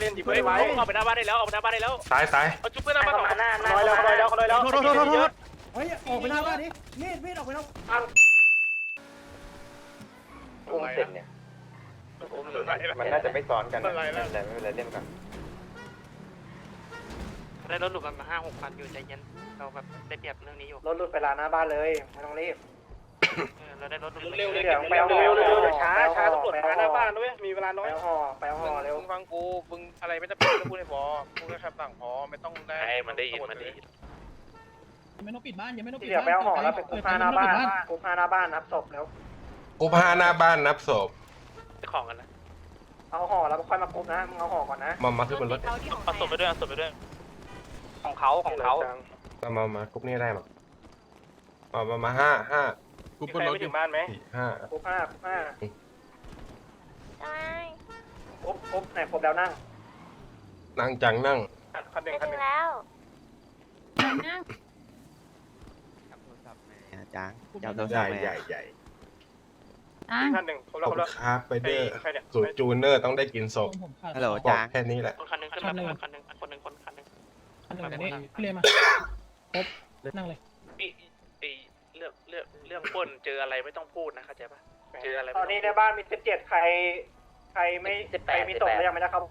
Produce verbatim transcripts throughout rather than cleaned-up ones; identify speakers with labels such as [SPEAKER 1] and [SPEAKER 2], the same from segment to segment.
[SPEAKER 1] นดิเพื่อนไว้ออกไปหน้าบ้านได้แล้วออกไปหน้าบ้านได้แล้ว
[SPEAKER 2] ซ้ายซ้าย
[SPEAKER 1] เอาจุ๊บเพื่อนหน้าบ้านสองหน้าหน้าลอยแล้วลอยแล้วลอยแล้วโทษโทษโทษ
[SPEAKER 3] เฮ้ยออกไปหน้าบ้านดิมีดมีดออกไปแล้ว
[SPEAKER 4] อุ้มเสร็จเนี่ยมันน่าจะไม่ซ้อนกันนะแต่ไม่เป็นไรเล่นกัน
[SPEAKER 1] ได้รถหลุดมาห้าหกพันอยู่ใจเย็นเราแบบได้เปรียบเรื่องนี้อยู่
[SPEAKER 5] รถหลุดไปลานหน้าบ้านเลยไม่ต้องรีบ
[SPEAKER 1] เราได้รถ
[SPEAKER 5] เร็วเร็วไปเอาเร็วเร็วช้าช้าตำรวจมาหน้าบ้านด้วยมีเวลาน้อยไปเอาห่อไปเอาห่อเร็ว
[SPEAKER 1] มึงฟังกูมึงอะไรไม่จำเป็นต้องพูดให้พอพูดแค่คำสั่งพอไม่ต้องได้มันได้ยินมันได้ยิน
[SPEAKER 3] ยังไม่ต้องปิดบ้านยังไม่ต้องปิ
[SPEAKER 5] ที่
[SPEAKER 3] ด
[SPEAKER 5] เหลือไปเอาห่อแล้วไปกุ๊กผ้าหน้าบ้านกุ๊กผ้าหน้าบ้านนับศพแล้ว
[SPEAKER 2] กูพาหน้าบ้านนับศพ
[SPEAKER 1] ของกันนะ
[SPEAKER 5] เอาห่อแล้วค่อยมากุ๊กนะมึงเอาห่อก่อนนะ
[SPEAKER 2] มามาขึ้นบนรถ
[SPEAKER 1] เอาศพไปด้วยเอาศพไปด้วยของเขาของเขา
[SPEAKER 2] มามามากุ๊บนี่ได้มามามามาห้าห้า
[SPEAKER 1] กูบนรถอยู่บ้านไหม
[SPEAKER 2] สี่ห้า
[SPEAKER 5] กุ๊กผ้ากุ๊กผ้า
[SPEAKER 6] ทำไม
[SPEAKER 5] กุ๊กกุ๊กไหนครบแล้วนั่ง
[SPEAKER 2] นั่งจังนั่ง
[SPEAKER 1] คันหนึ่ง
[SPEAKER 6] ไป
[SPEAKER 1] คันห
[SPEAKER 6] ถึ
[SPEAKER 1] นึ่
[SPEAKER 6] ง
[SPEAKER 1] ง
[SPEAKER 6] แล้ว
[SPEAKER 3] นั่ง
[SPEAKER 4] จ้างจับโทร
[SPEAKER 2] ให
[SPEAKER 4] ศั
[SPEAKER 2] ญ่
[SPEAKER 4] พท์
[SPEAKER 2] ใหญ่ใหญ่
[SPEAKER 3] นั่ง
[SPEAKER 1] คันหนึ่งครบ
[SPEAKER 2] ข
[SPEAKER 1] แล้
[SPEAKER 2] อ
[SPEAKER 1] ว
[SPEAKER 2] บ
[SPEAKER 1] ครบ
[SPEAKER 2] คุ
[SPEAKER 1] แล้
[SPEAKER 2] ณ
[SPEAKER 1] ว
[SPEAKER 2] ครับไปเดอร์
[SPEAKER 1] ใครเนี่ย
[SPEAKER 2] สูตรจูเนอร์ต้องได้กินศพ
[SPEAKER 3] ผมขาด
[SPEAKER 4] ฮัลโหล
[SPEAKER 2] บอก
[SPEAKER 4] จ้าง
[SPEAKER 2] แค่นี้แหละ
[SPEAKER 1] คนคันหนึ่งขึ้นมาคนคันหนึ่งคนหนึ่งคนหนึ่ง
[SPEAKER 3] อันหนึ่งนี่พี่เรียนมาครบนั่งเลย
[SPEAKER 1] ไอ้เรื่องเรื่องเรื่องป้นเจออะไรไม่ต้องพูดนะเข้าใจปะเจออะไร
[SPEAKER 5] ตอนนี้ในบ้านมีสิบเจ็ดใครใครไม่ใครมีศพแล้วยังไม่ได้เข้า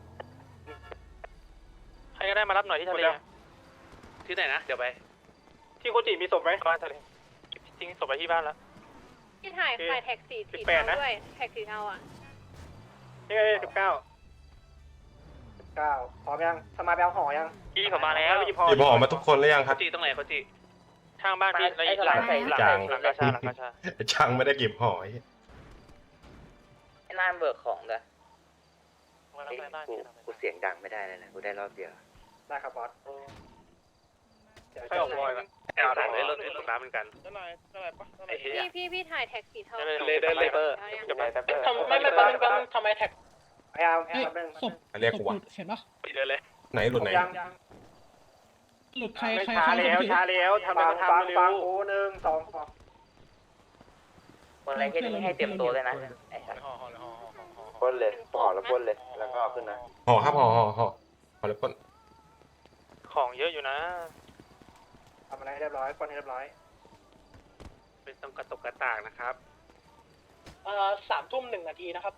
[SPEAKER 1] ใครก็ได้มารับหน่อยที่ทะเลที่ไหนนะเดี๋ยวไปที่โคจิมีศพไหมบ้านทะเลทิ้งศพไปที่บ้านแล้ว
[SPEAKER 6] ที่ถ่ายถ่ายแท็กสีสีเทาด้วยแท็กสีเทาอ่ะ
[SPEAKER 1] นี่ไงสิบเก้า
[SPEAKER 5] เก้าพร้อมยังสมาไปเอาห่อยัง
[SPEAKER 1] พี่เขามาแล้ว
[SPEAKER 2] หยิบห่อมาทุกคนแล้วยังครับ
[SPEAKER 1] จีตรงไหนเขาจีทางบ้านพี่หลังหลังหลัง
[SPEAKER 2] จาง
[SPEAKER 1] หลังกาชาหลังกาชา
[SPEAKER 2] ช่างไม่ได้เก็บห่อ
[SPEAKER 4] ไอ้ร้านเบิกของเลย
[SPEAKER 1] กู
[SPEAKER 4] กูเสียงดังไม่ได้เลยนะกูได้รอบเดียว
[SPEAKER 5] ได้ครับบอส
[SPEAKER 1] ใครออกบอยกันเอาหลังเลยรถรถน้ำเหมือนกันไอ้เหี้ย
[SPEAKER 6] พี่พี่พี่ถ่ายแท็กสีเทา
[SPEAKER 1] เลยได้เลยเบอร์
[SPEAKER 4] จะไปแป๊บเดียว
[SPEAKER 1] ทำไม่ไม่ปั๊มปั๊มทำไมแท็ก
[SPEAKER 5] พยายาม
[SPEAKER 3] เฮ้ย
[SPEAKER 5] แป๊บนึง
[SPEAKER 3] ศพ
[SPEAKER 2] เรียกกูว่า
[SPEAKER 3] เห็นปะ
[SPEAKER 1] ปิดเลยเลย
[SPEAKER 2] ไหนหลุดไหน
[SPEAKER 5] ยัง
[SPEAKER 3] หลุดใครใคร
[SPEAKER 1] ช้า
[SPEAKER 3] ใคร
[SPEAKER 1] แล้วช้าแล้วทำ
[SPEAKER 5] ฟั
[SPEAKER 1] แล้ว
[SPEAKER 5] ง
[SPEAKER 1] ทำ
[SPEAKER 5] ฟัง
[SPEAKER 1] เร็
[SPEAKER 5] ฟัง
[SPEAKER 1] ว
[SPEAKER 5] กูหนึ่งสองสอง
[SPEAKER 4] คนอะไรแค่นี้ให้เตรียมตัวเลยนะไอ้สัสปล้นเลยห่อแล้วปล้นเลยแล้วก็เอาขึ้นนะ
[SPEAKER 2] ห่อครับห่อห่อห่อห่อแล้วก้น
[SPEAKER 1] ของเยอะอยู่นะ
[SPEAKER 5] ทำอะไรให้เรียบร้อยคนให้เรียบร้อย
[SPEAKER 1] เป็นต้องกระตกกระตากนะครับ
[SPEAKER 3] เอ่อสามทุ่มหนึ่งนาทีนะครับ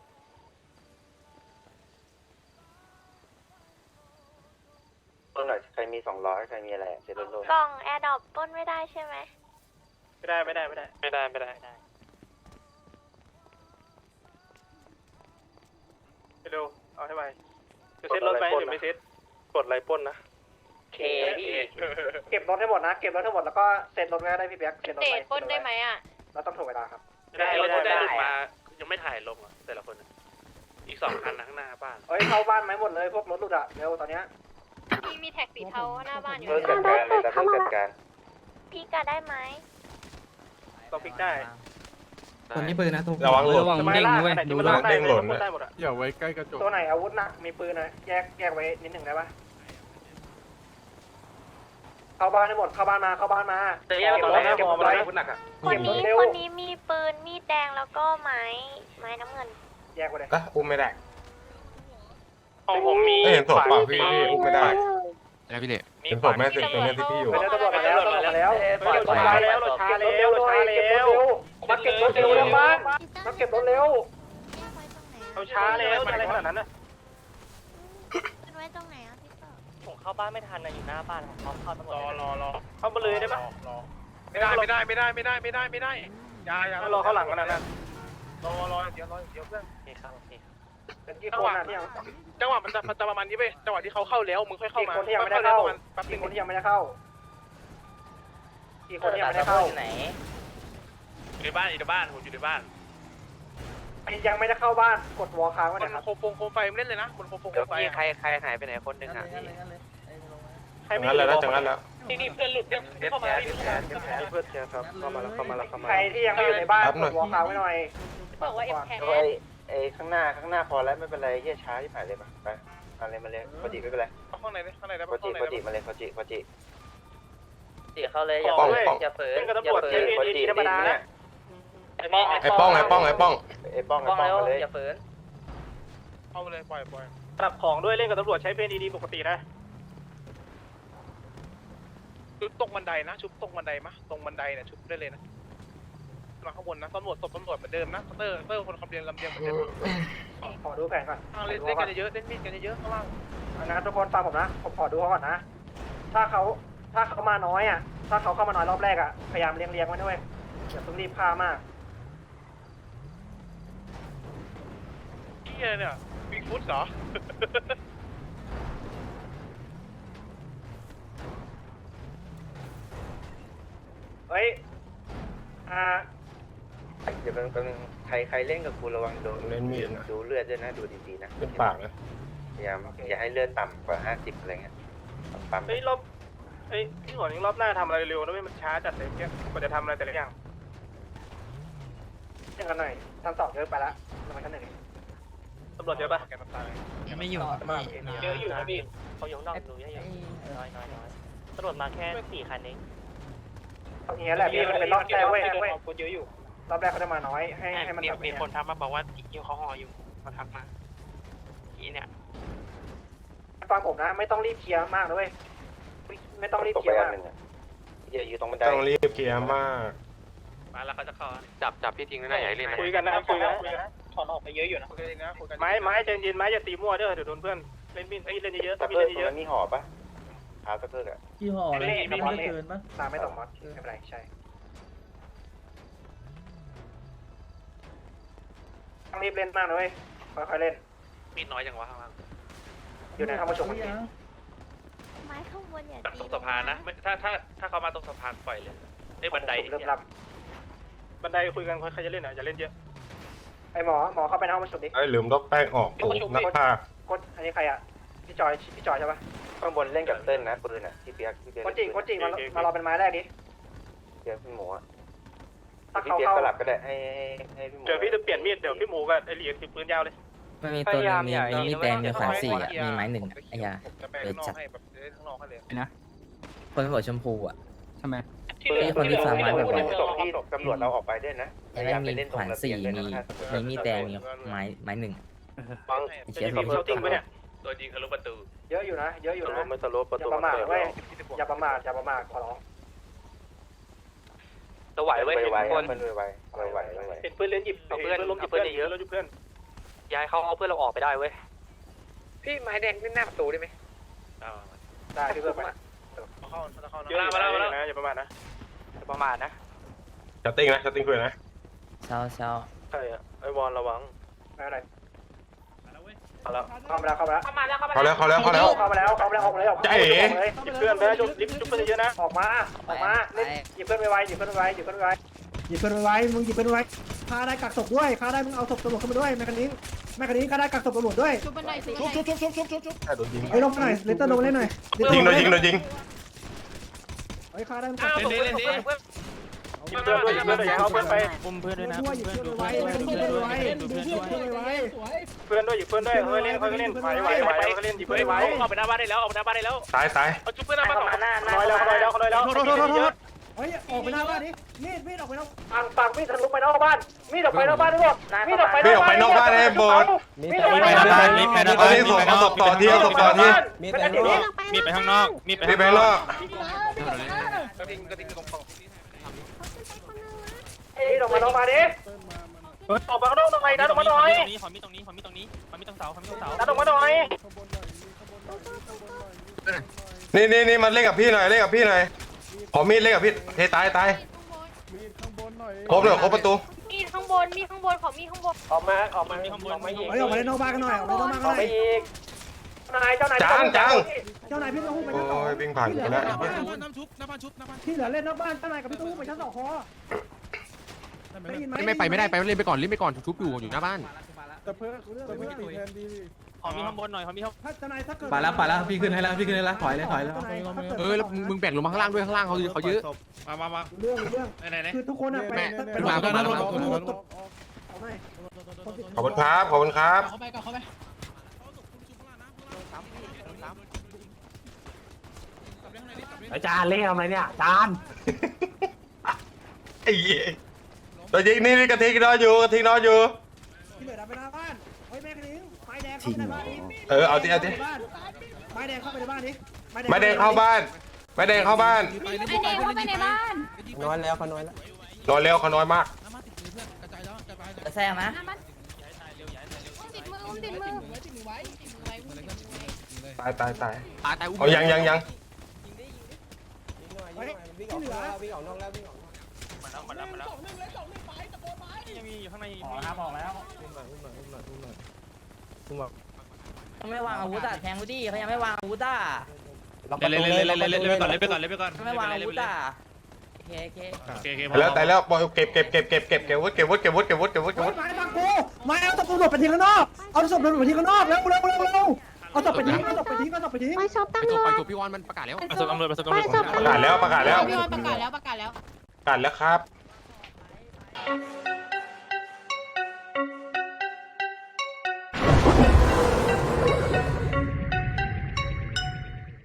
[SPEAKER 4] ปล้นหน่อยใครมีสองร้อยใครมีอะไรเซ็ตโลด
[SPEAKER 6] กล่องแอร์ดรอปป้นไม่ได้ใช่ไหม
[SPEAKER 1] ไม่ได้ไม่ได้ไม่ได้ไม่ได้ไม่ได้ไปดูเอาให้ไปจะเซ็ตรถไหมหรือไม่เซ็ตกดไลปล้นนะ
[SPEAKER 4] เคพี่
[SPEAKER 5] เก็บรถให้หมดนะเก็บรถให้หมดแล้วก็เซ็นรถไว้ได้พี่เปียกเซ็นรถ
[SPEAKER 6] เด
[SPEAKER 5] ไว้
[SPEAKER 6] ทป้นได้ไหมอ่ะ
[SPEAKER 5] เราต้องถูกเวลาครับ
[SPEAKER 1] ไม่ได้รถได้หลุดมายังไม่ถ่ายลงอ่ะแต่ละคนอีกสองคันข้างหน้าบ้าน
[SPEAKER 5] เฮ้ยเข้าบ้านไหมหมดเลยพวกรถหลุดอะเร็วตอนเนี้ย
[SPEAKER 6] พี่มีแท็กสีเทาหน้าบ้านอยู่
[SPEAKER 4] เพิ่มจัดการเลยแต่เพิ่มจัดการ
[SPEAKER 6] พี่กะได้ไหม
[SPEAKER 1] ต้องพลิกได้
[SPEAKER 7] คนนี้ปืนนะตรง
[SPEAKER 2] ระวังหลุด
[SPEAKER 7] ระวังเด้งนะเว้ยดู
[SPEAKER 2] ระ
[SPEAKER 7] ระ
[SPEAKER 2] วั
[SPEAKER 7] วั
[SPEAKER 2] ง
[SPEAKER 7] ง
[SPEAKER 2] เด้งหล่นนะ
[SPEAKER 1] ได้หมดอ่ะ
[SPEAKER 7] อย่าไว้ใกล้กระจก
[SPEAKER 5] ตัวไหนอาวุธหนักมีปืนนะแยกแยกไว้นิดหนึ่งได้ปะเข้าบ้านให้หมดเข้าบ้านมาเข้าบ้านมา
[SPEAKER 1] แต่แยกตัวไหน
[SPEAKER 5] เก็บ
[SPEAKER 1] ม
[SPEAKER 5] ร
[SPEAKER 1] อง
[SPEAKER 5] ถ
[SPEAKER 1] มา
[SPEAKER 5] ไว้
[SPEAKER 1] ได้คุณหนักอ่ะ
[SPEAKER 6] คนนี้
[SPEAKER 5] เร็ว
[SPEAKER 6] คนนี้มีปืนมีดแดงแล้วก็ไม้ไม้น้ำเงิน
[SPEAKER 5] แยกไว้เลย
[SPEAKER 2] อ่ะอุ้มไม่ได้
[SPEAKER 1] ของผมมี
[SPEAKER 2] เอ้ยเห็นศพเปล่าพี่พี่อุ้มไม่ได้
[SPEAKER 7] นะพี่เล่
[SPEAKER 2] เห็นศพแม่สิตรงนี้ที่พี่อยู่
[SPEAKER 5] ไปแล้วตำรวจมาแล้วตำรวจมาแล้ว
[SPEAKER 1] รถช้าแล้วรถช้าแล้วรถช้าแล้ว
[SPEAKER 5] มาเก็บรถเร็วเร็วบ้านมาเก็บรถเร็ว
[SPEAKER 1] เราช้าแล้วอะไรขนาดนั้นนะ
[SPEAKER 6] เป็นไว้ตรงไหนอ่ะพี่ต่อ
[SPEAKER 8] ผมเข้าบ้านไม่ทันนะอยู่หน้าบ้านเขาเข้าตำรวจ
[SPEAKER 1] รอรอรอเข้ามาเลยได้ปะไม่ได้ไม่ได้ไม่ได้ไม่ได้ไม่ได้ไม่ได้ยายารอเข้าหลังกันนะรอรอเดี๋ยวรอเดี๋ยวเพื่อน
[SPEAKER 8] โอเคครับโอเคครับ
[SPEAKER 5] เป็นกี่คนอะที่ยัง
[SPEAKER 1] จังหวะมันจะมันจะประมาณนี้เว้ยจังหวะที่เขาเข้าแล้วมึงค่อยเข้า
[SPEAKER 5] กี่
[SPEAKER 1] มา
[SPEAKER 5] คนที่ยังไม่ได้เข้า
[SPEAKER 1] แป๊บนึ
[SPEAKER 5] กี่
[SPEAKER 1] ง
[SPEAKER 5] คนที่ยังไม่ได้เข้ากี่คนที่ยังไม่ได้เข้า
[SPEAKER 8] อยู่ไหน
[SPEAKER 1] อยู่ในบ้านอยู่ในบ้านผมอยู่ในบ้าน
[SPEAKER 5] ยังไม่ได้เข้าบ้านกดวอลค้างไว้
[SPEAKER 1] บน
[SPEAKER 5] นะครับ
[SPEAKER 1] โคมโคมไฟไม่เล่นเลยนะบนโคมโคมไฟ
[SPEAKER 8] ใครใครหายไปไหนคนหนึ่งอ่ะ
[SPEAKER 1] ใคร
[SPEAKER 2] จัง
[SPEAKER 1] ไม่
[SPEAKER 2] นั้นแล้วนะจังนั้นแล้ว
[SPEAKER 1] นี่นี่เพื่อนหลุดเนี่ยเข้ามา
[SPEAKER 4] เพื่อนเชียร์ครับเข้ามาแล้วเข้ามาแล้วเข้ามา
[SPEAKER 5] ใครที่ยังไม่อยู่ในบ้านกดวอลค้างไว้หน่อย
[SPEAKER 6] บอกว่าเอ็มแค
[SPEAKER 4] ไอ้ไอ้ข้างหน้าข้างหน้าพอแล้วไม่เป็นไรเฮียช้าที่ผ่านเลยมาไปเอาเลยมาเลยพอจิไม่เป็นไร
[SPEAKER 1] ข้างในข้างในได้
[SPEAKER 4] พอ
[SPEAKER 1] ปะ
[SPEAKER 4] จิ
[SPEAKER 1] ข้างใน
[SPEAKER 4] พอจิมาเลยพอจิพอจิ
[SPEAKER 8] ตีเข้าเลยอย่า
[SPEAKER 2] ป้อง
[SPEAKER 8] เปิด
[SPEAKER 2] ป้อง
[SPEAKER 8] อย่าเปิด
[SPEAKER 1] เป็นกับ
[SPEAKER 8] อย่า
[SPEAKER 1] ตำรวจ
[SPEAKER 8] เปิด
[SPEAKER 1] เอ็น
[SPEAKER 4] พอ
[SPEAKER 1] เอ็น
[SPEAKER 4] จิ
[SPEAKER 1] ธรรมดา
[SPEAKER 4] เนี่ย
[SPEAKER 2] ไอ้ป้องไอ้ป้อง
[SPEAKER 4] ไอ้ป้องไอ้ป้อง
[SPEAKER 8] ป้อง
[SPEAKER 4] มา
[SPEAKER 8] แล้ว
[SPEAKER 4] เลย
[SPEAKER 8] อย่าเปิด
[SPEAKER 1] เข้ามาเลยปล่อยปล่อย
[SPEAKER 5] ปรับของด้วยเล่นกับตำรวจใช้เพลงดีๆปกตินะ
[SPEAKER 1] ชุบตรงบันไดนะชุบตรงบันไดมะตรงบันไดเนี่ยชุบได้เลยนะมาข้างบนนะตำรวจตบตำรวจเหมือนเดิมนะเตอร์เตอร์คนคำเรียนลำเลียงเหมือนเดิม
[SPEAKER 5] ขอดูแผนก่อน
[SPEAKER 1] เล่นเล่นกันเยอะเล่นมีดกันเยอะข้างล่าง
[SPEAKER 5] นะทุกคนฟังผมนะผมขอดูเขาก่อนนะถ้าเขาถ้าเขามาน้อยอ่ะถ้าเขาเข้ามาน้อยรอบแรกอ่ะพยายามเลี้ยงเลี้ยงไว้ด้วยอย่าเพิ่งรีบฆ่ามาก
[SPEAKER 1] เฮียเนี่ยบิ๊กฟุตเหรอ
[SPEAKER 5] เฮ้ยอ่า
[SPEAKER 4] เดี๋ยวเป็นใครใครเล่นกับกูระวังโดน
[SPEAKER 2] เล่นมีดนะ
[SPEAKER 4] ดูเลือดด้วยนะดูดีๆนะ
[SPEAKER 2] เป็นปากนะ
[SPEAKER 4] พยายามอย่าให้เลือดต่ำกว่าห้าสิบอะไรเงี้ยปั๊ม
[SPEAKER 5] เฮ้ยรอบเฮ้ยพี่หัวยังรอบหน้าทำอะไรเร็วนะไม่มันช้าจัดเลยเนี่ยกว่าจะทำอะไรแต่ละอย่างยังกันหน่อยชั้นสองเยอะไปละลงมาชั้นหนึ่งตำรวจเยอะปะ
[SPEAKER 7] ไม่อยู่
[SPEAKER 5] เยอะอยู่นะพี่
[SPEAKER 8] เขาอยู่ข้างนอกดูเยอะๆน้อยน้อยน้อยตำรวจมาแค่สี่คันเอง
[SPEAKER 5] อย่างเงี้ยแหละพี่มันเป็นรอบแรกเว้ยคนเยอะอยู่รอบแรกเขาจะมาน้อยให้ให้มัน
[SPEAKER 9] มี
[SPEAKER 5] แบบ
[SPEAKER 9] มีคนทักมาบอกว่าอยู่เขาห่ออยู่มาทักมาอีเนี่ย
[SPEAKER 5] ฟังผมนะไม่ต้องรีบเคลียร์มากนะเว้ยไม่ต้องรีบ
[SPEAKER 4] ตก
[SPEAKER 5] เคลี
[SPEAKER 4] ไป
[SPEAKER 5] ยร์
[SPEAKER 4] อัน
[SPEAKER 5] มาก
[SPEAKER 4] หนึ่งอ่ะอย่าอยู่ตรงบันได
[SPEAKER 2] ต้องรีบเคลียร์มาก
[SPEAKER 8] มาแล้วเขาจะเข้า
[SPEAKER 9] จับจับพี่ทิ้งนะอย่าให้เล่นนะ
[SPEAKER 5] คุยกันนะคุยกันนะ
[SPEAKER 1] ถอนออกไปเยอะอยู่นะคุยกันนะคุยกัน
[SPEAKER 5] ไม้ไม้ใจเย็นไม้อย่าตีมั่วเด้อเดี๋ยวโดนเพื่อนเล่นมีดเล่นเยอะ
[SPEAKER 4] ตะ
[SPEAKER 5] มี
[SPEAKER 4] เพิ
[SPEAKER 5] เล่
[SPEAKER 4] ก
[SPEAKER 5] น
[SPEAKER 4] ตรง
[SPEAKER 5] เยอะ
[SPEAKER 4] นั้นมีห่อปะเท้าตะเพิกอ่ะ
[SPEAKER 3] ยี่ห้ออะไรไม่ได้เกินปะ
[SPEAKER 5] ตามไม่ตกมอสไม่เป็นไรใช่ต้องรีบเล่นมากนะเว้ยค่อยๆเล่น
[SPEAKER 9] มีน้อยจังวะข้างล่าง
[SPEAKER 5] อยู่ในห้องประชุม
[SPEAKER 3] ยัง
[SPEAKER 6] ไม้ข้างบนเนี่ย
[SPEAKER 9] ตรงสะพานนะถ้าถ้าถ้าเขามาตรงสะพานปล่อยเลยไอ้บันได
[SPEAKER 5] เริ่มรับบันไดคุยกันใครจะเล่นอ่ะอย่าเล่นเยอะไอหมอหมอเข้าไปในห้องประชุมดิ
[SPEAKER 2] ไอ้ยลืมลบแป้งออกโอ้นักฆ่าก
[SPEAKER 5] ดอันนี้ใครอ่ะพี่จอยพี่จอยใช่ปะ
[SPEAKER 4] ข้างบนเล่นกับเต้นนะปืนอ่ะที่เปียกที่เปียก
[SPEAKER 5] กดจิกดจิมามารอเป็นไม้แรกดิ
[SPEAKER 4] เปียกพี่หมูอ่ะ
[SPEAKER 5] ถ้า
[SPEAKER 4] พี่
[SPEAKER 5] เขา
[SPEAKER 4] เปียก
[SPEAKER 5] เข้า
[SPEAKER 4] สลับก็ได้ให้ให้พี่หมู
[SPEAKER 5] เดี๋ยวพี่จะเปลี่ยนมีดเดี๋ยวพี่หมูกับไอเหลียถือปืนยาวเลย
[SPEAKER 7] มันมีตัวนึงมีมีมีแดงมีขวานสี่อ่ะมีไม้หนึ่งอ่ะไอ้ยา
[SPEAKER 1] จะไปข้างนอกให้แบบข้างนอกให้เลย
[SPEAKER 7] คนบอกชมพูอ่ะ
[SPEAKER 9] ทำไม
[SPEAKER 7] พี่คนที่ฟังไม้บ่อย
[SPEAKER 4] ส่งที่ตำรวจเราออกไปด้วยนะ
[SPEAKER 7] ไอ้แม่งมีขวานสี่มีมีมีดแดงมีไม้ไม้หนึ่ง
[SPEAKER 4] ฟัง
[SPEAKER 7] ไอ้เชี่ย
[SPEAKER 5] เขา
[SPEAKER 7] พี่
[SPEAKER 5] ติ้งไปเนี่ย
[SPEAKER 9] ตัวจริงทะลุประตู
[SPEAKER 5] เยอะอยู่นะเยอะอยู่
[SPEAKER 4] สโล
[SPEAKER 5] นะ
[SPEAKER 4] ปไม่สโลปประ
[SPEAKER 5] อย่า
[SPEAKER 4] ตู
[SPEAKER 5] ประมาทเว้ยอย่าประมาทอย่าประมาทขอร้อง
[SPEAKER 9] ตัวไหว
[SPEAKER 4] ไว
[SPEAKER 9] เว้ย
[SPEAKER 4] ไว
[SPEAKER 9] คน
[SPEAKER 4] มันไวไวไวไวไว
[SPEAKER 5] เป็นเพื่อนเล่นหยิบเพื่อนล้มหยิบเพื่อนเยอะแล้วหยิบเพื่อน
[SPEAKER 9] ย้ายเขาเอาเพื่อนเราออกไปได้เว้ย
[SPEAKER 8] พี่ไม้แดงขึ้นหน้าประตูได้ไหม
[SPEAKER 5] ได้พี่เพื่อนไป
[SPEAKER 1] เข้าเข้า
[SPEAKER 5] เยอะอยู่นะอย่าประมาทนะ
[SPEAKER 9] ประมาทนะ
[SPEAKER 2] ชัตติ้งนะชัตติ้งคุยนะ
[SPEAKER 7] เช้าเช้า
[SPEAKER 4] ใช่อ่ะไอวอนระวัง
[SPEAKER 5] ไม่เป็นไร
[SPEAKER 4] เอาแล้ว
[SPEAKER 5] เข้ามาแล้วเข้ามาแล้ว
[SPEAKER 6] เข้ามาแล้วเข้ามา
[SPEAKER 2] เขาแล้วเขาแล้วเขาแล้ว
[SPEAKER 5] เข้ามาแล้วเข้ามาแล้วออกมาเลยออกมา
[SPEAKER 2] จ๊ะเอ๋
[SPEAKER 5] หยิบเพื่อนไปแล้วหยิบหยิบเพื่อนเยอะนะออกมาออกมาเล่นหยิบเพื่อนไวๆหยิบเพื่อนไวๆหยิบเพื่อนไว
[SPEAKER 3] หยิบเพื่อนไว้มึงหยิบเพื่อนไว้ฆ่าได้กักศพด้วยฆ่าได้มึงเอาศพตำรวจเข้ามาด้วยแมคคานิงแมคคานิงฆ่าได้กักศพตำรวจด้วย
[SPEAKER 6] ชุบบันไดชุบ
[SPEAKER 3] ชุ
[SPEAKER 6] บั
[SPEAKER 3] บ
[SPEAKER 6] นได
[SPEAKER 3] ชุบชุบชุบชุบชุบชุบ
[SPEAKER 2] ใช่โดนยิง
[SPEAKER 3] เฮ้ยลงมาหน่อยเลตเตอร์ลงมาเล่นหน่อย
[SPEAKER 2] ยิงโดนยิงโดนยิง
[SPEAKER 3] เฮ้ยฆ่าได้มึงกักศพ
[SPEAKER 5] ๆหยิบเพื่อนด้วยหยิบเพื่อนด้วยอย่าเอาเพื่อนไป
[SPEAKER 9] อุ้มเพื่อนด้วยนะ
[SPEAKER 3] ด้วยหยิบเพื่อนไว้แมคคานิงเพื่อนไว้ดูเพื่อนไว้
[SPEAKER 5] เพื่อนด้วยหยิบเพื่อนด้วยค่อยเล่นค่อยเล่นไหวไหวไหวค่อยเล่นหยิบเพื่อนไว
[SPEAKER 9] ออกไปหน้าบ้านได้แล้วออกไปหน้าบ้านได้แล้ว
[SPEAKER 2] ตายตาย
[SPEAKER 9] เอาชุบเพื่อนหน้าบ้านสอง
[SPEAKER 8] หน้าหน้า
[SPEAKER 5] น้อยแล้วน้อยแล้วน้อยแล้ว
[SPEAKER 3] โทษโทษโทษโทษเฮ้ยออกไปหน้าบ้านดิมีดมีดออกไปนอก
[SPEAKER 5] ปังปังมีดทะลุไปนอกบ้านมีดออกไปนอกบ้านด้วยมีดออกไป
[SPEAKER 2] พี่ออกไปนอกบ้านให้หมด
[SPEAKER 5] มีดออกไปนอกบ้าน
[SPEAKER 2] ตอนนี้ส่งเอาศพต่อที่เอาศพต่อที่
[SPEAKER 5] มีดไปนอกบ้าน
[SPEAKER 9] มีไปข้างนอกมีไป
[SPEAKER 2] พี่ไปข้างนอก
[SPEAKER 1] กระดิ่งกระดิ่งตรงตรง
[SPEAKER 5] มีดออกมานอกบ้านดิออกมาข้างนอกตรงไหนดันออกมาหน่อย
[SPEAKER 9] ขอมีตรงนี้ขอมีตรงนี้ขอมีตรงเสาขอมีตรงเสา
[SPEAKER 5] ดันออกมาหน่อย
[SPEAKER 2] นี่นี่นี่มันเล่นกับพี่หน่อยเล่นกับพี่หน่อยขอมีดเล่นกับพี่เทตายตายครบเลยครบประตู
[SPEAKER 6] มีข้างบนมีข้างบนขอมีข้างบน
[SPEAKER 5] ออกมาออกมาออกมาอีก
[SPEAKER 3] เฮ้ยออกมาเล่นนอกบ้านกันหน่อยออกมาเล่นนอกบ้าน
[SPEAKER 5] อ
[SPEAKER 3] กั
[SPEAKER 5] อน ก
[SPEAKER 3] หน่
[SPEAKER 5] มา
[SPEAKER 3] อย
[SPEAKER 5] อีกนายเจ้านาย
[SPEAKER 3] เจ้านายพี่ต้องหุ้มไปชั้นสอง
[SPEAKER 2] โอ้ยวิ่งผ่านไปแล้ว
[SPEAKER 3] ที่เหลือเล่นนอกบ้านเจ้านายกับพี่ต้องหุ้มไปชั้นสองคอได้ยินไหม
[SPEAKER 7] ไม่ไปไม่ได้ไปเล่นไปก่อนเล่นไปก่อนชุบอยู่อยู่หน้าบ้าน
[SPEAKER 3] แต่เพื่อนเรื่องเรื่องตีแทนดี
[SPEAKER 9] ขอมีข้างบนหน่อยขอมีข้าง
[SPEAKER 3] ถ้าเจ้านายถ้าเกิด
[SPEAKER 7] ไปแล้วไปแล้วพี่ขึ้นให้แล้วพี่ขึ้นให้แล้วถอยเลยถอยแล้ว เออแล้วมึงแบ่งลงมาข้างล่างด้วยข้างล่างเขาเขาเยอะ
[SPEAKER 9] มามามา
[SPEAKER 3] เรื่องเรื่อง
[SPEAKER 9] ไหนไหน
[SPEAKER 3] คือทุกคนอะไป
[SPEAKER 7] เป็นหมาเป็นหมาเป็นหมา
[SPEAKER 3] เอาไหม
[SPEAKER 2] ขอบคุณครับขอบคุณครับ
[SPEAKER 3] เข้าไปก่อนเข้าไป
[SPEAKER 5] อาจารย์เล่นอะไรเนี่ยอาจารย์
[SPEAKER 2] ไอ้เหี้ยตัวยิงนี่กระทิงนอนอยู่กระทิงนอนอยู่
[SPEAKER 3] ที่เหลือดับไปหน้าบ้านเฮ้ยแม่คณิ้งไฟแดงทิ้งเหรอ
[SPEAKER 2] เออเอาดิเอาดิ
[SPEAKER 3] ไม้แดงเข้าไปในบ้านนี้
[SPEAKER 2] ไม่แดงเข้าบ้านไม่แดงเข้าบ้าน
[SPEAKER 6] ไอเดงเข้าไปในบ้าน
[SPEAKER 3] น้อยแล้วเขาน้อยแล้ว
[SPEAKER 2] รอเร็วเขาน้อยมาก
[SPEAKER 4] แซงนะ
[SPEAKER 6] ติดมืออุ้มติดมือ
[SPEAKER 2] ตายตายตาย
[SPEAKER 7] ตายตายอุ้ม
[SPEAKER 2] เอายังยังยัง
[SPEAKER 3] ที่เหลือ
[SPEAKER 8] ยังมีอยู่ข้างใน
[SPEAKER 5] ออกครับออกแล้ว
[SPEAKER 4] ไม่วางอาวุธอ่ะแทงกูดิเขายังไม่วางอาวุธอ่ะ
[SPEAKER 7] เล่นเล่นเล่นเล่นเล่นเล่นไปก่อนเล่นไปก่อนเล่นไปก่อน
[SPEAKER 4] ไม่วางอาวุธอ่ะโอเคโอเค
[SPEAKER 7] โอเคโอเค
[SPEAKER 2] แล้วแต่แล้วปล่อยเก็บเก็บเก็บเก็บเก็บเก็บวุ้เก็บวุ้เก็บวุ้เก็บวุ้เก็บวุ้เก็บวุ้เก็บวุ้
[SPEAKER 3] ไม้ฟังกูไม้เอาศพตำรวจไปทิ้งข้างนอกเอาศพตำรวจไปทิ้งข้างนอกแล้วเร็วเร็วเร็วเอาศพไปทิ้งเอาศพไปทิ้งเอาศพไปทิ้ง
[SPEAKER 6] ไปชอบ
[SPEAKER 7] ไป
[SPEAKER 6] ตั้ง
[SPEAKER 7] ตัว
[SPEAKER 6] เล
[SPEAKER 7] ไป
[SPEAKER 6] ย
[SPEAKER 7] ตัวพี่วอนมันประกาศแล้ว
[SPEAKER 8] ประสบตำรวจประสบตำร
[SPEAKER 6] ไป
[SPEAKER 8] วจ
[SPEAKER 6] ชอบ
[SPEAKER 2] ประกาศแล้วประกาศแล้ว
[SPEAKER 6] พี่วอนประกาศแล้วประกาศแล้ว
[SPEAKER 2] ประกาศแล้วครับ